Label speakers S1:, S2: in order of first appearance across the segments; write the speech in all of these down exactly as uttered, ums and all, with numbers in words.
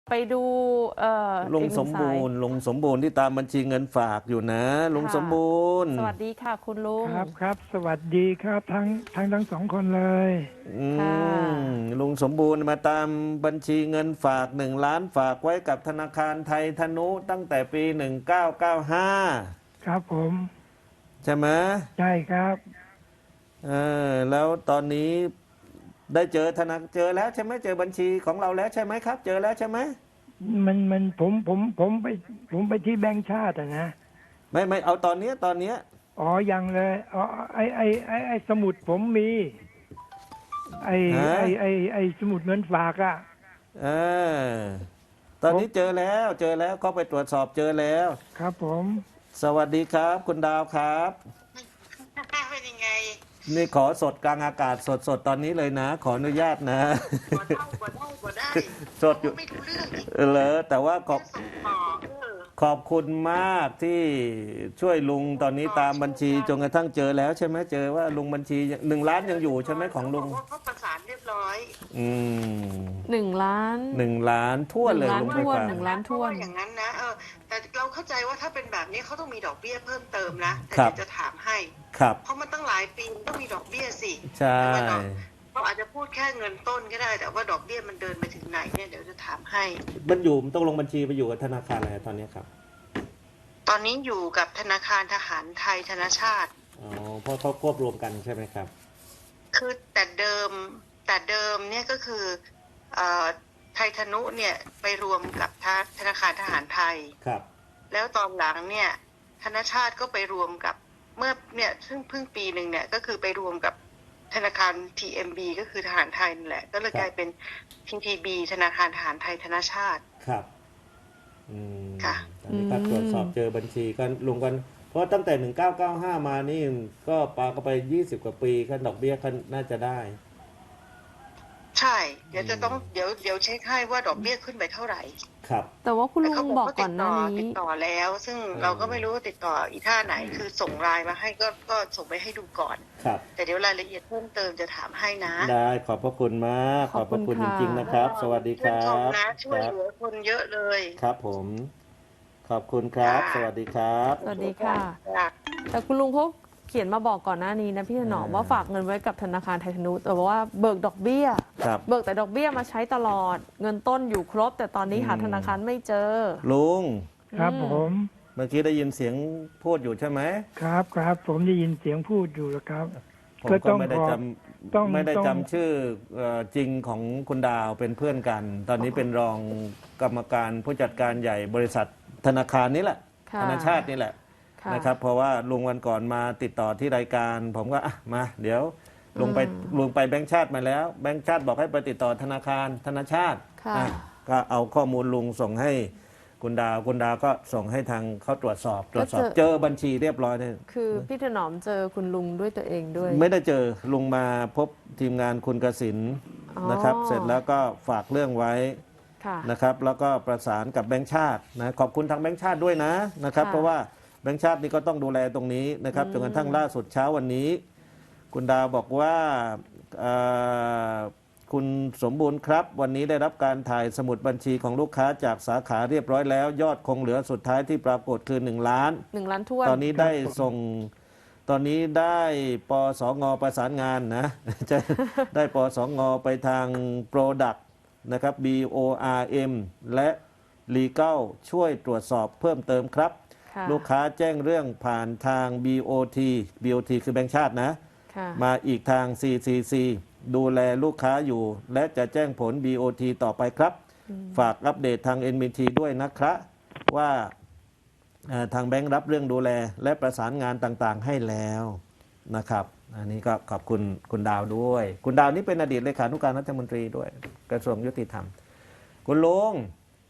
S1: ไปดูเอ่อ
S2: ลุง
S1: อีกห
S2: ส
S1: นึ่
S2: ม
S1: งสา
S2: บู
S1: ย
S2: รณ์ลุงสมบูรณ์ที่ตามบัญชีเงินฝากอยู่นะลุง
S1: ค่ะ
S2: สมบูรณ์
S1: สวัสดีค่ะคุณลุง
S3: ครับครับสวัสดีครับทั้งทั้งทั้งสองคนเลย
S2: อื
S1: ค่ะ
S2: มลุงสมบูรณ์มาตามบัญชีเงินฝากหนึ่งล้านฝากไว้กับธนาคารไทยธนุตั้งแต่ปีหนึ่งเก้าเก้าห้า
S3: ครับผม
S2: ใช่ไหม
S3: ใช่ครับ
S2: เออแล้วตอนนี้ได้เจอธนาเจอแล้วใช่ไหมเจอบัญชีของเราแล้วใช่ไหมครับ เจอแล้วใช่ไหม
S3: มันมันผมผมผมไปผมไปที่แบงก์ชาติอะนะ
S2: ไม่ไม่เอาตอนเนี้ยตอนเนี้ย
S3: อ๋อยังเลยอ๋อไอไอไอไอสมุดผมมี ไอไอไอไอสมุดเงินฝากอะ
S2: เออตอนนี้เจอแล้วเจอแล้วเขาไปตรวจสอบเจอแล้ว
S3: ครับผม
S2: สวัสดีครับคุณดาวครับ
S4: เป็นยังไง
S2: นี่ขอสดกลางอากาศสดสดตอนนี้เลยนะ ขออนุญาตนะ
S4: กว่าได้กว่าได้กว่าได้
S2: สดอยู่
S4: ไม่รู้เรื่องอีก
S2: เหรอแต่ว่าขอบ
S4: ส่งต่อเออ
S2: ขอบคุณมากที่ช่วยลุงตอนนี้ตามบัญชีจนกระทั่งเจอแล้วใช่ไหมเจอว่าลุงบัญชีหนึ่งล้านยังอยู่ใช่ไหมของลุง
S4: เขาบอกว่าเขาประสานเรียบร้อย
S2: อืม
S1: หนึ่งล้าน
S2: หนึ่งล้านทั่วนเลย
S1: หนึ่
S2: ลุ
S1: ง
S2: ง
S1: ล้าน
S2: ไป
S1: ถ้วน
S2: ฝาก
S1: หนึ่งล้านถ้วน
S4: เพระอย่างนั้นนะเออแต่เราเข้าใจว่าถ้าเป็นแบบนี้เขาต้องมีดอกเบี้ยเพิ่มเติมนะแต่
S2: ครับ
S4: เดี๋ยวจะถามให้
S2: ครับ
S4: เพราะมันตั้งหลายปีมันต้องมีดอกเบี้ยสิ
S2: ใช่
S4: แต่ว่าดอกเราอาจจะพูดแค่เงินต้นก็ได้ แต่ว่าดอกเบี้ยมันเดินไปถึงไหนเนี่ยเดี๋ยวจะถามให้
S2: มันอยู่มันต้องลงบัญชีไปอยู่กับธนาคารอะไรตอนนี้ครับ
S4: ตอนนี้อยู่กับธนาคารทหารไทยธนชาติ
S2: อ๋อเพราะเขาควบรวมกันใช่ไหมครับ
S4: คือแต่เดิมแต่เดิมเนี่ยก็คือเอ่อไทยธนุเนี่ยไปรวมกับธนาคารทหารไทย
S2: ครับ
S4: แล้วตอนหลังเนี่ยธนชาติก็ไปรวมกับเมื่อเนี่ยซึ่งเพิ่งปีหนึ่งเนี่ยก็คือไปรวมกับธนาคาร ที เอ็ม บี ก็คือทหารไทยนั่นแหละก็เลยกลายเป็น ที ที บี ธนาคารทหารไทยธนชาติ
S2: ครับอืม
S4: ค่ะ
S2: ตอนนี้ก็
S1: อืม
S2: ตรวจสอบเจอบัญชีก็ลุงกันเพราะตั้งแต่หนึ่งเก้าเก้าห้ามานี่ก็ปาก็ไปยี่สิบกว่าปีก็ดอกเบี้ยก็น่าจะได้
S4: ใช่ เดี๋ยวจะต้องเดี๋ยวเดี๋ยวเช็คให้ว่าดอกเบี้ยขึ้นไปเท่าไหร่
S2: ครับ
S1: แต่ว่าคุณ
S4: แต่
S1: ลุ
S4: เขา
S1: ง
S4: บบ อ
S1: อก ก
S4: ว่า
S1: ก่
S4: ติ
S1: อน
S4: ด
S1: ห
S4: ต่
S1: น้า
S4: อ
S1: นี้
S4: ติดต่อแล้ว ซึ่ง
S2: อืม
S4: เราก็ไม่รู้ว่าติดต่ออีท่าไหน คือส่งไลน์มาให้ก็ก็ส่งไปให้ดูก่อน
S2: ครับ
S4: แต่เดี๋ยวรายละเอียดเพิ่มเติมจะถามให้นะ
S2: ได้ขอบพระคุณมากข
S1: ข
S2: อ
S1: อ
S2: บบ พ
S1: คุ
S2: ระ
S1: ณ
S2: คุณจ
S1: ค่ะ
S2: ริงๆนะครับ สวัสดีค
S4: ชื่น
S2: รั
S4: ชม
S2: บ
S4: นะช่วย
S2: ค
S4: เห
S2: รับ
S4: ลือคนเยอะเลย
S2: ครับผม ขอบคุณครับ
S4: ค่ะ
S2: สวัสดีครับ
S1: สวัสดีค่ะ
S4: ค่ะ
S1: แต่คุณลุงเขาเขียนมาบอกก่อนหน้านี้นะพี่ถนอม
S2: อ่า
S1: ว่าฝากเงินไว้กับธนาคารไทยธนุแต่ว่าเบิกดอกเบี้ย
S2: ครับ
S1: เบิกแต่ดอกเบี้ยมาใช้ตลอด เงินต้นอยู่ครบ แต่ตอนนี้หา
S2: อืม
S1: ธนาคารไม่เจอ
S2: ลุง
S3: ครับ
S1: อืม
S3: ผม
S2: เมื่อกี้ได้ยินเสียงพูดอยู่ใช่ไหม
S3: ครับครับผมได้ยินเสียงพูดอยู่แล้วครับ
S2: ผม
S3: ก็
S2: ก็
S3: ต้อง
S2: ไม่ได้
S3: ขอ
S2: จ
S3: ต้อง
S2: ำไม่ได้
S3: ต้อง
S2: จำชื่อเอ่อจริงของคุณดาวเป็นเพื่อนกัน ตอนนี้เป็นรองกรรมการผู้จัดการใหญ่บริษัทธนาคารนี้แหละ
S1: ค่ะ
S2: ธนาชาตินี่แหละ
S1: ค่ะ
S2: นะครับเพราะว่าลุงวันก่อนมาติดต่อที่รายการ ผมก็อ่ะมา เดี๋ยวลุงไป
S1: อืม
S2: ลุงไปแบงค์ชาติมาแล้ว แบงค์ชาติบอกให้ไปติดต่อธนาคารธนาชาติ
S1: ค่ะ
S2: อ่ะก็เอาข้อมูลลุงส่งให้คุณดาวคุณดาวก็ส่งให้ทางเขาตรวจสอบ ตรวจสอบ
S1: ก็เจอ
S2: เจอบัญชีเรียบร้อยเนี่ย
S1: คือพี่ถนอมเจอคุณลุงด้วยตัวเองด้วย
S2: ไม่ได้เจอลุงมาพบทีมงานคุณกสิน
S1: อ๋อ
S2: นะครับ เสร็จแล้วก็ฝากเรื่องไว้
S1: ค่ะ
S2: นะครับ แล้วก็ประสานกับแบงค์ชาตินะขอบคุณทางแบงค์ชาติด้วยนะนะครับ
S1: ค่ะ
S2: เพราะว่าแบงค์ชาตินี่ก็ต้องดูแลตรงนี้นะครับ
S1: อืม
S2: จนกระทั่งล่าสุดเช้าวันนี้ คุณดาวบอกว่าเอ่อคุณสมบูรณ์ครับ วันนี้ได้รับการถ่ายสมุดบัญชีของลูกค้าจากสาขาเรียบร้อยแล้ว ยอดคงเหลือสุดท้ายที่ปรากฏคือหนึ่งล้าน
S1: หนึ่งล้านถ้วน
S2: ตอนนี้ได้ส่งตอนนี้ได้ปสงประสานงานนะ จะได้ปสงไปทาง Product นะครับ B O R M และ Legal ช่วยตรวจสอบเพิ่มเติมครับ
S1: ค่ะ
S2: ลูกค้าแจ้งเรื่องผ่านทาง บี โอ ที บี โอ ที คือแบงค์ชาตินะ
S1: ค่ะ
S2: มาอีกทาง ซี ซี ซี ดูแลลูกค้าอยู่ และจะแจ้งผล บี โอ ที ต่อไปครับ ฝากอัปเดตทาง เอ็น บี ที ด้วยนะครับว่าเอ่อทางแบงค์รับเรื่องดูแล และประสานงานต่างๆให้แล้วนะครับ อันนี้ก็ขอบคุณคุณดาวด้วย คุณดาวนี่เป็นอดีตเลขานุการรัฐมนตรีด้วย กระทรวงยุติธรรม คุณลุง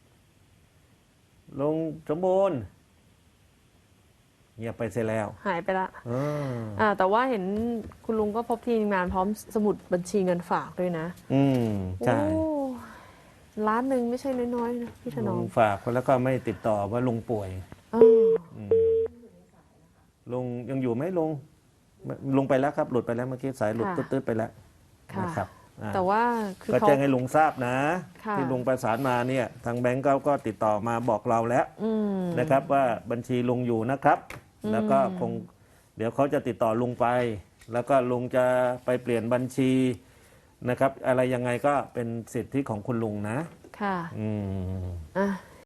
S2: ลุงสมบูรณ์เงียบไปเสียแล้ว
S1: หายไปละ
S2: เออ
S1: อ่าแต่ว่าเห็นคุณลุงก็พบทีมงานพร้อมสมุดบัญชีเงินฝากด้วยนะ
S2: อืมใช่
S1: โอ้ล้านหนึ่งไม่ใช่น้อยๆนะพี่ถน
S2: ลุ
S1: อม
S2: งฝากแล้วก็ไม่ติดต่อว่าลุงป่วย
S1: เออ
S2: อืมลุงยังอยู่ไหมลุงลุงไปแล้วครับ หลุดไปแล้วเมื่อกี้สายหลุด
S1: ค่ะ
S2: ตืดๆไปแล้ว
S1: ค่ะ
S2: นะครับอ่า
S1: แต่ว่าคือ
S2: ก็
S1: เขา
S2: แจ้งให้ลุงทราบนะ
S1: ค่ะ
S2: ที่ลุงประสานมาเนี่ยทางแบงก์เขาก็ติดต่อมาบอกเราแล้ว
S1: อืม
S2: นะครับว่าบัญชีลุงอยู่นะครับ
S1: อืม
S2: แล้วก็คงเดี๋ยวเขาจะติดต่อลุงไป แล้วก็ลุงจะไปเปลี่ยนบัญชีนะครับ อะไรยังไงก็เป็นสิทธิของคุณลุงนะ
S1: ค่ะ
S2: อืม
S1: อ่ะ